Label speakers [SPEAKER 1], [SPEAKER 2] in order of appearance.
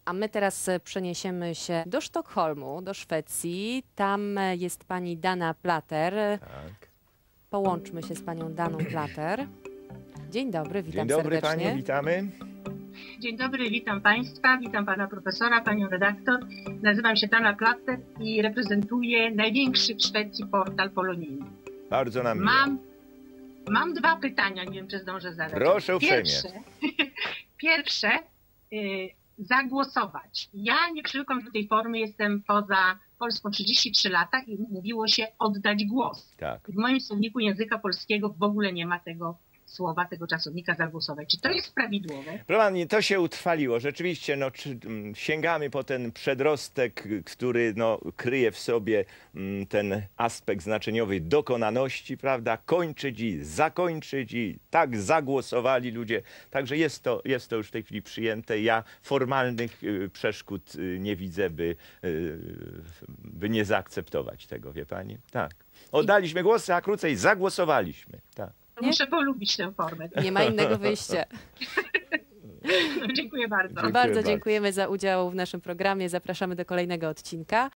[SPEAKER 1] A my teraz przeniesiemy się do Sztokholmu, do Szwecji. Tam jest pani Dana Plater.
[SPEAKER 2] Tak.
[SPEAKER 1] Połączmy się z panią Daną Plater. Dzień dobry, witam
[SPEAKER 2] Dzień dobry
[SPEAKER 1] serdecznie.
[SPEAKER 2] pani, witamy.
[SPEAKER 3] Dzień dobry, witam Państwa, witam Pana Profesora, Panią Redaktor. Nazywam się Dana Plater i reprezentuję największy w Szwecji portal polonijny.
[SPEAKER 2] Bardzo nam miło.
[SPEAKER 3] Mam dwa pytania, nie wiem, czy zdążę zadać.
[SPEAKER 2] Proszę uprzejmie.
[SPEAKER 3] Pierwsze, zagłosować. Ja nie przywykłam do tej formy, jestem poza Polską 33 lata i mówiło się oddać głos.
[SPEAKER 2] Tak.
[SPEAKER 3] W moim słowniku języka polskiego w ogóle nie ma tego słowa, tego czasownika zagłosować. Czy to jest prawidłowe?
[SPEAKER 2] Proszę pani, to się utrwaliło. Rzeczywiście sięgamy po ten przedrostek, który kryje w sobie ten aspekt znaczeniowy dokonaności, prawda? Kończyć i zakończyć i tak zagłosowali ludzie. Także jest to już w tej chwili przyjęte. Ja formalnych przeszkód nie widzę, by nie zaakceptować tego, wie pani? Tak. Oddaliśmy głosy, a krócej zagłosowaliśmy. Tak.
[SPEAKER 3] Muszę polubić tę formę.
[SPEAKER 1] Nie ma innego wyjścia.
[SPEAKER 3] Dziękuję bardzo.
[SPEAKER 1] Bardzo dziękujemy za udział w naszym programie. Zapraszamy do kolejnego odcinka.